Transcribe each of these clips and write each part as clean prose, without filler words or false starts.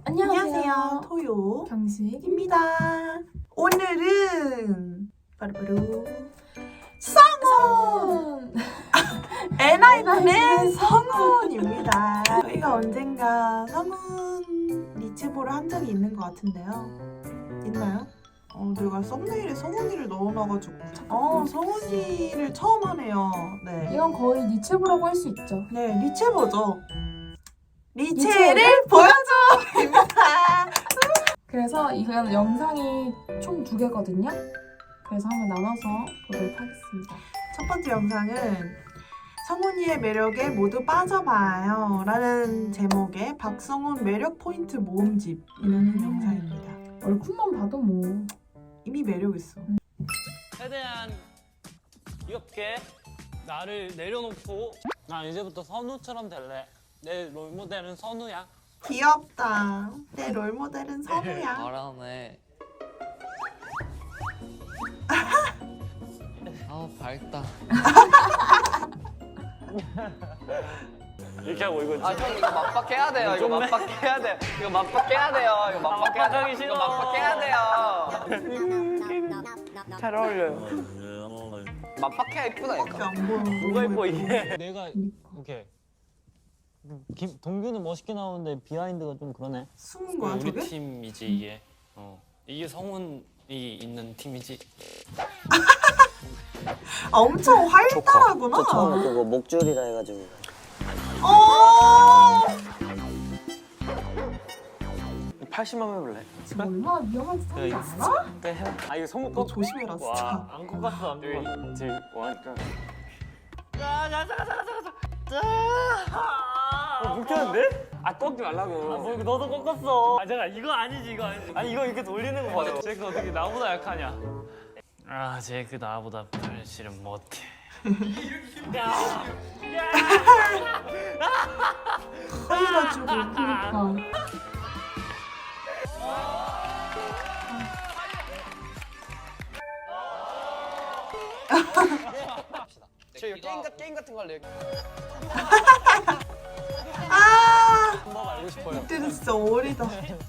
안녕하세요. 토요 경식입니다. 오늘은 바로 성훈! 엔하이픈의 성훈입니다. 저희가 언젠가 성훈 리치볼을 한 적이 있는 것 같은데요. 있나요? 내가 썸네일에 성훈이를 넣어놔가지고 성훈이를 처음 하네요. 네. 이건 거의 리체보라고 할 수 있죠. 네, 리체보죠. 리체를 보여줘입니다. 그래서 이건 영상이 총 2개거든요. 그래서 한번 나눠서 보도록 하겠습니다. 첫 번째 영상은 성훈이의 매력에 모두 빠져봐요 라는 제목의 박성훈 매력 포인트 모음집이라는 영상입니다. 얼굴만 봐도 뭐 이미 매력 있어. 최대한 귀엽게 나를 내려놓고 나 이제부터 선우처럼 될래. 내 롤모델은 선우야. 귀엽다. 내 롤모델은 선우야. 바람에 아우 밝다. 이렇게 하고 이거 아 형 이거 맞박해야 돼요. 이거 맞박해야 돼. 이거 맞박해야 돼요. 이거 맞박해야 돼. 맞박하기 싫어. 이거 맞박해야 돼요. 잘 어울려요. 맞박해야 이쁘다니까. 안 보여. 뭐가 이뻐 이게. 내가 이렇게 동규는 멋있게 나오는데 비하인드가 좀 그러네. 숨은 거야 우리 저게? 팀이지 이게. 이게 성훈이 있는 팀이지. 엄청 활달하구나. 저 처음에 그거 목줄이라 해가지고 어. 80만 원 해볼래? 지금 얼마나 위험한 짓인지 알아? 아 이거 손목 너 조심해라 진짜. 안 꺾었어 안 꺾었어. 지금 뭐하니까. 묵혔는데? 아 꺾지 말라고. 너도 꺾었어. 아 잠깐 이거 아니지 이거 아니지. 아니 이거 이렇게 돌리는 거 봐요. 제이크 어떻게 나보다 약하냐? 아 제이크 나보다 발실은 못해. 커가지고. 그러니까 저 이거 게임 같은 거 할래요. 방법 알고 싶어요. 이때는 진짜 어리다.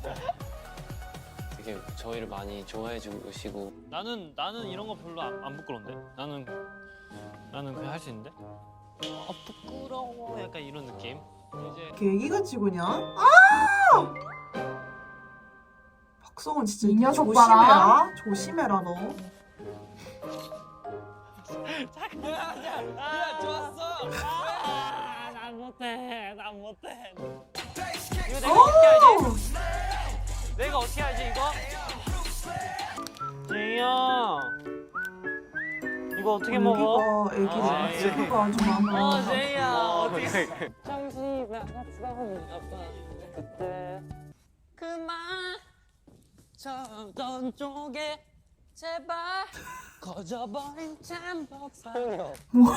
되게 저희를 많이 좋아해 주시고. 나는 이런 거 별로 안 부끄러운데. 나는 그냥 할 수 있는데. 부끄러워 약간 이런 느낌. 이제 이렇게 애기같이 그냥. 박성훈 진짜 이 녀석 조심해라. 봐라. 조심해라 너. 야 좋았어. 난 못해. 난 못해. 이거 내가 어떻게 알지? 내가 어떻게 알지 이거? 제이야. 이거 어떻게 먹어? 애기가 애기가 아주 많아. 제이야. 어떻게? 정신이 나갔어. 아빠 그때 그만 쳤던 쪽에 제발 꺼져버린 잠복사.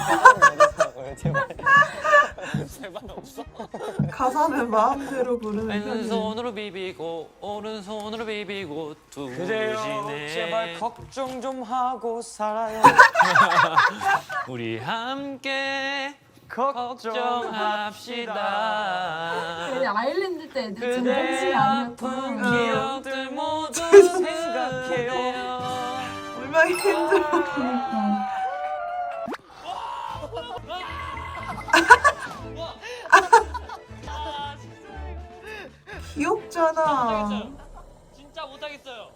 제발 없어. 가사는 마음대로 부르는 편이네. 왼손으로 비비고 오른손으로 비비고 그래요. 두시네. 제발 걱정 좀 하고 살아요. 우리 함께 걱정합시다. 근데 아일랜드 때 애들 진짜 그대 정신이 아픈 아니었구나. 기억들 모두 생각해요. 얼마나 힘들어. 그러니까 귀엽잖아. 진짜 못하겠어요.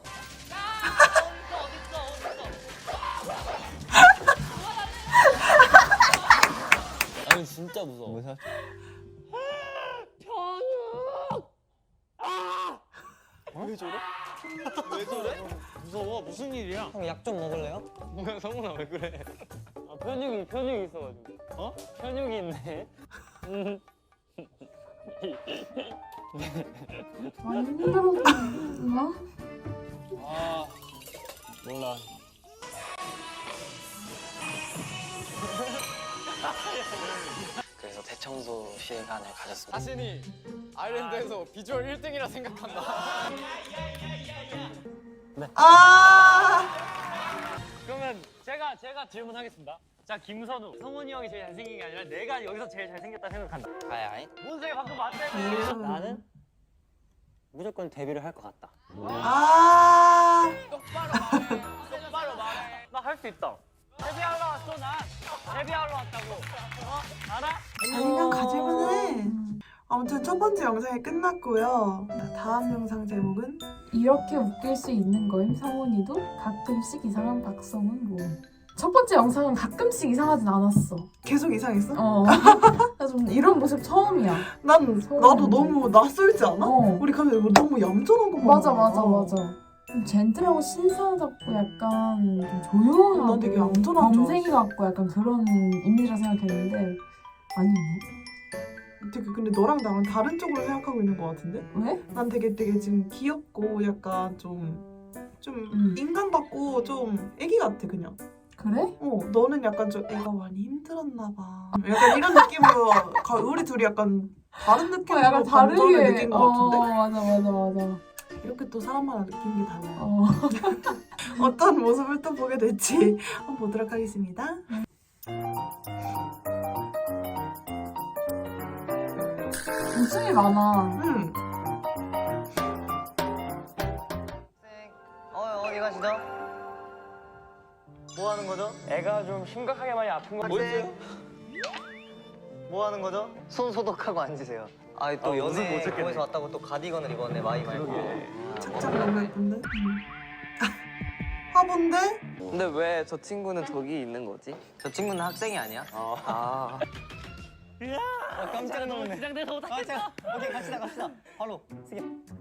아니 진짜 무서워. 왜 저래? 왜 저래? 무서워. 무슨 일이야? 형 약 좀 먹을래요? 뭐야 성훈아 왜 그래? 아 편육이 있어가지고. 어? 편육이 있네. 많이 힘들었구나. 아 몰라. 그래서 대청소 시간을 가졌습니다. 자신이 아일랜드에서 비주얼 1등이라 생각한다. 그러면 제가 질문하겠습니다. 자 김선우, 성훈이 형이 제일 잘생긴 게 아니라 내가 여기서 제일 잘생겼다 생각한다. 아이 문세가 방금 맞다며. 나는 무조건 데뷔를 할 것 같다. 아, 똑바로 말해. 나 할 수 있다. 데뷔하러 왔어 나. 데뷔하러 왔다고. 알아? 자신감 가질만 해. 아무튼 첫 번째 영상이 끝났고요. 다음 영상 제목은 이렇게 웃길 수 있는 거임 상훈이도 가끔씩 이상한 박성훈 모음. 첫 번째 영상은 가끔씩 이상하진 않았어. 계속 이상했어? 나 좀 이런 모습 처음이야. 나도 너무 낯설지 않아? 어. 우리 가면 뭐 너무 얌전한 것만 맞아 보여. 맞아 맞아. 좀 젠틀하고 신사답고 약간 좀 조용하고 난 되게 얌전한 줄 범생이 같고 약간 그런 이미지라 생각했는데 아니네. 되게 근데 너랑 나랑 다른 쪽으로 생각하고 있는 것 같은데? 왜? 난 되게 지금 귀엽고 약간 좀 인간답고 좀 애기 같아 그냥. 그래? 너는 약간 좀 애가 많이 힘들었나 봐. 약간 이런 느낌으로 우리 둘이 약간 다른 느낌으로 약간 감정을 다르게 느낀 것 같은데? 맞아. 이렇게 또 사람마다 느끼는 게 달라요. 어. 어떤 모습을 또 보게 될지 한번 보도록 하겠습니다. 웃음이 많아. 어디 가시죠? 뭐 하는 거죠? 애가 좀 심각하게 많이 아픈 거 학생? 뭐 하는 거죠? 손 소독하고 앉으세요. 또 연애 공에서 왔다고 또 가디건을 입었네. 마이 말고. 착장 너무 예쁜데? 화분데? 근데 왜 저 친구는 저기 있는 거지? 저 친구는 학생이 아니야? 깜짝 놀랐네. 긴장돼서 못하겠어. 오케이 갑시다. 바로 쓰게.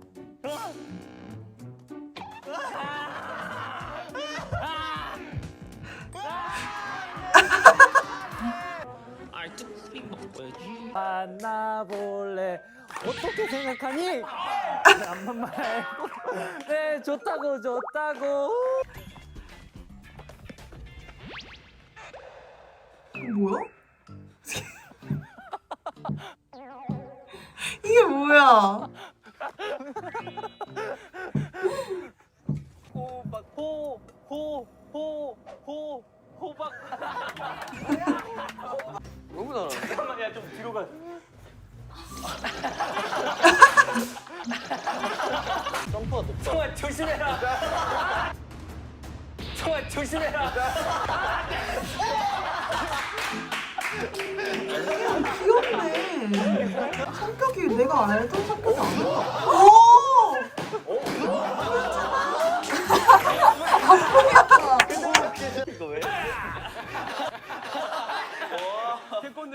만나볼래. 어떻게 생각하니? 한번 말고. 네, 좋다고. 뭐야? 이게 뭐야? 호박. 너무 잘하네. 잠깐만, 야, 좀 뒤로 가. 점프가 높다. 청아, 조심해라. 청아, 조심해라. 귀엽네. 성격이 내가 알던 성격이 아니야. 이거 왜? 태권도.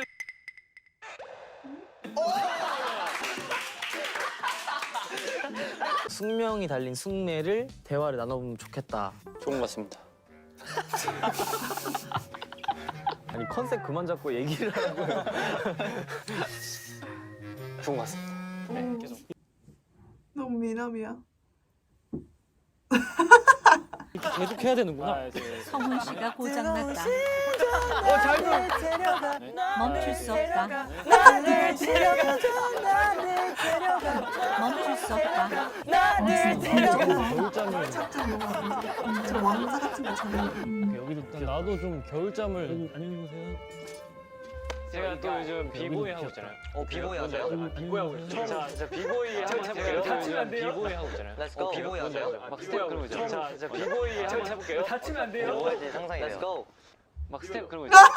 숙명이 달린 숙매를 대화를 나눠보면 좋겠다. 좋은 것 같습니다. 아니 컨셉 그만 잡고 얘기를 하라고요. 좋은 것 같습니다. 네, 계속. 너무 미남이야. 계속 해야 되는구나. 성훈 씨가 고장났다. 멈출 수 없다. 멈출 수 없다. 착장 너무 예쁘지? 저 왕자 같은 거 잘해. 여기도 나도 좀 겨울잠을 안녕히 계세요. 제가 또 요즘 비보이 하고 있잖아요. 비보이 하세요? 비보이 하고 있어요. 자, 비보이 한번 해볼게요. 다치면 안 돼요? 비보이 하고 있잖아요. Let's go. 비보이 하세요? 막 스텝 그런 거 있잖아요. 자, 비보이 한번 해볼게요. 다치면 안 돼요? 뭐 할지 상상이 돼요. Let's go. 막 스텝 그런 거 있잖아요.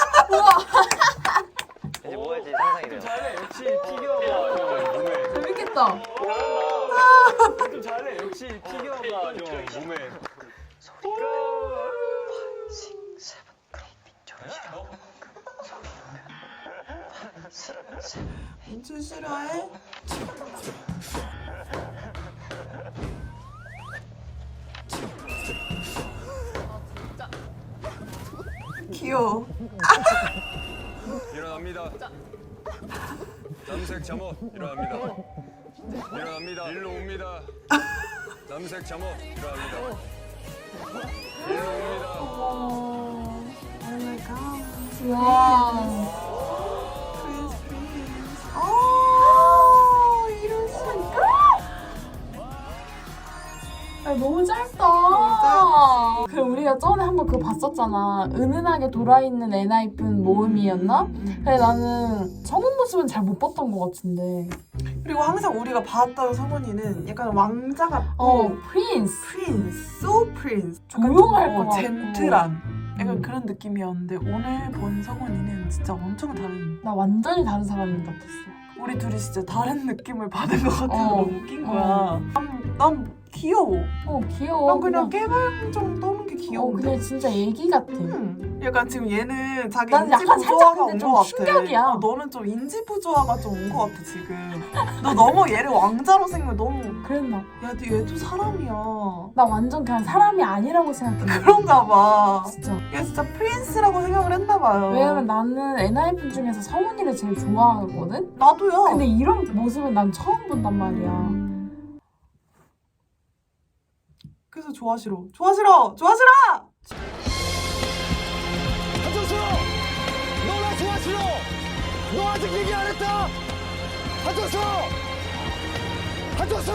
이제 뭐 할지 상상이 돼요. 잘해, 역시 피겨가 몸에. 재밌겠다. 좀 잘해, 역시 피겨가 좀 몸에. 민준 싫어해? 귀여워. 일어납니다. 남색 잠옷 일어납니다. 일어납니다. 일로 옵니다. 남색 잠옷 일어납니다. 일로 옵니다. 오 마이 갓. 와. 이럴 수 있다. 너무 짧다. 그 우리가 전에 한번 그거 봤었잖아. 은은하게 돌아있는 엔하이픈 모음이었나? 근데 나는 성훈 모습은 잘 못 봤던 것 같은데. 그리고 항상 우리가 봤던 성훈이는 약간 왕자 같고 프린스. so prince. 조용할 것 같고. 젠틀한. 약간 그런 느낌이었는데 오늘 본 성훈이는 진짜 엄청 다른. 나 완전히 다른 사람 같았어. 우리 둘이 진짜 다른 느낌을 받은 것 같아서 어. 너무 웃긴 거야. 난 귀여워. 귀여워. 난 그냥 깨발정 떠는 게 귀여운데. 그냥 진짜 애기 같아. 약간 지금 얘는 자기 난 인지 약간 부조화가 살짝 근데 온 좀 것 같아. 충격이야. 너는 좀 인지 부조화가 좀 온 것 같아 지금. 너 너무 얘를 왕자로 생각 너무. 그랬나? 야, 근데 얘도 사람이야. 나 완전 그냥 사람이 아니라고 생각해. 그런가 봐. 진짜. 얘 진짜 프린스라고 생각을 했나 봐요. 왜냐면 나는 엔하이픈 중에서 성훈이를 제일 좋아하거든? 나도요. 근데 이런 모습은 난 처음 본단 말이야. 그래서 좋아하시러. 좋아하시러. 좋아하시러. 한정수! 너 나 좋아하시러! 너 아직 얘기 안 했다! 한정수! 한정수!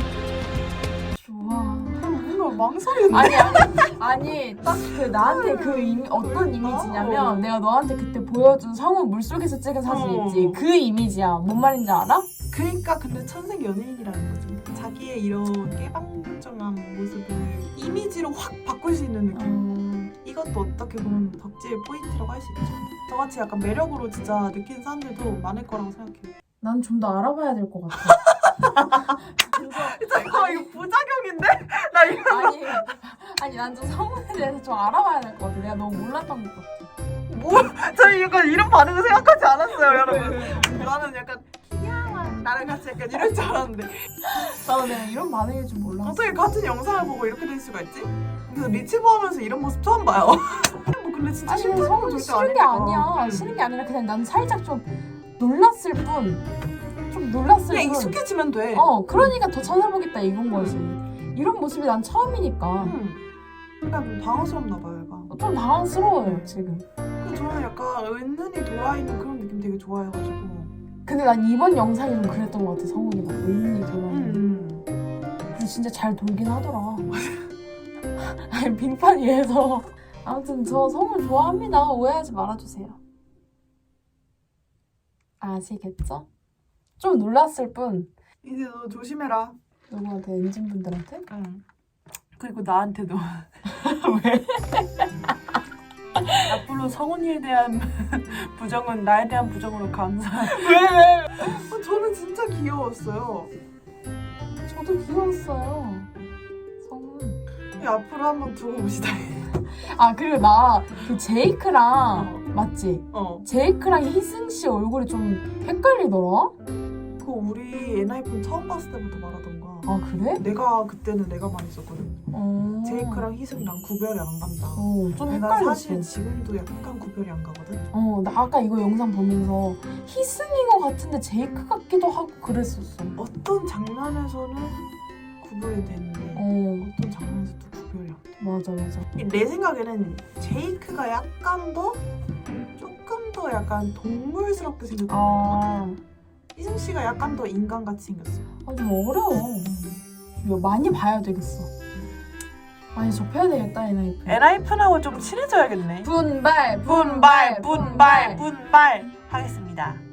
좋아. 뭔가 망설이는데. 아니 딱 그 나한테 그 어떤 이미지냐면 내가 너한테 그때 보여준 성우 물속에서 찍은 사진 있지? 그 이미지야. 뭔 말인지 알아? 그러니까 근데 천생 연예인이라는 거죠. 자기의 이런 깨방정한 모습을 이미지로 확 바꿀 수 있는 느낌. 이것도 어떻게 보면 덕질의 포인트라고 할 수 있죠. 저같이 약간 매력으로 진짜 느끼는 사람들도 많을 거라고 생각해요. 난 좀 더 알아봐야 될 것 같아. 잠깐만 이거 부작용인데? 나 이거 아니 난 좀 성훈에 대해서 좀 알아봐야 될 것 같아. 내가 너무 몰랐던 것 같아. 뭐? 저희 약간 이런 반응을 생각하지 않았어요 여러분. 나는 약간 귀여워 나랑 같이 약간 이럴 줄 알았는데 나도 내가 이런 반응일 줄 몰랐어. 어떻게 같은 영상을 보고 이렇게 될 수가 있지? 그래서 리치보 하면서 이런 모습 처음 봐요. 뭐 근데 진짜 아니 싫다는 성훈 건 절대 싫은 게 아니니까. 아니야. 싫은 게 아니라 그냥 난 살짝 좀 놀랐을 뿐. 좀 놀랐을 그냥 뿐. 익숙해지면 돼. 그러니까 더 찾아보겠다 이건 거지. 이런 모습이 난 처음이니까. 약간 좀 당황스럽나 봐요 얘가. 좀 당황스러워요 지금. 그 저는 약간 은은히 돌아있는 그런 느낌 되게 좋아해가지고. 근데 난 이번 영상이 좀 그랬던 것 같아. 성훈이가 은근히 돌아있는. 근데 진짜 잘 돌긴 하더라. 아니 빙판 위에서. 아무튼 저 성훈 좋아합니다. 오해하지 말아주세요. 아시겠죠? 좀 놀랐을 뿐. 이제 너 조심해라. 누구한테? 엔진분들한테? 응. 그리고 나한테도. 왜? 앞으로 성훈이에 대한 부정은 나에 대한 부정으로 감사. 왜? 저는 진짜 귀여웠어요. 저도 귀여웠어요. 성훈. 앞으로 한번 두고 봅시다. 아 그리고 나 그 제이크랑 맞지? 제이크랑 희승 씨 얼굴이 좀 헷갈리더라? 그거 우리 엔하이픈 처음 봤을 때부터 말하던가. 아 그래? 그때는 내가 많이 썼거든. 제이크랑 희승이랑 구별이 안 간다. 좀 난 헷갈렸어. 사실 지금도 약간 구별이 안 가거든. 나 아까 이거 영상 보면서 희승인 것 같은데 제이크 같기도 하고 그랬었어. 어떤 장면에서는 구별이 되는데 어떤 장면에서 또 구별이 안 돼. 맞아. 내 생각에는 제이크가 약간 더 조금 더 약간 동물스럽게 생겼던 것 같아. 희승 씨가 약간 더 인간같이 생겼어. 좀 어려워. 이거 많이 봐야 되겠어. 많이 접해야 되겠다 엔하이픈. 엔하이픈하고 좀 친해져야겠네. 분발 하겠습니다.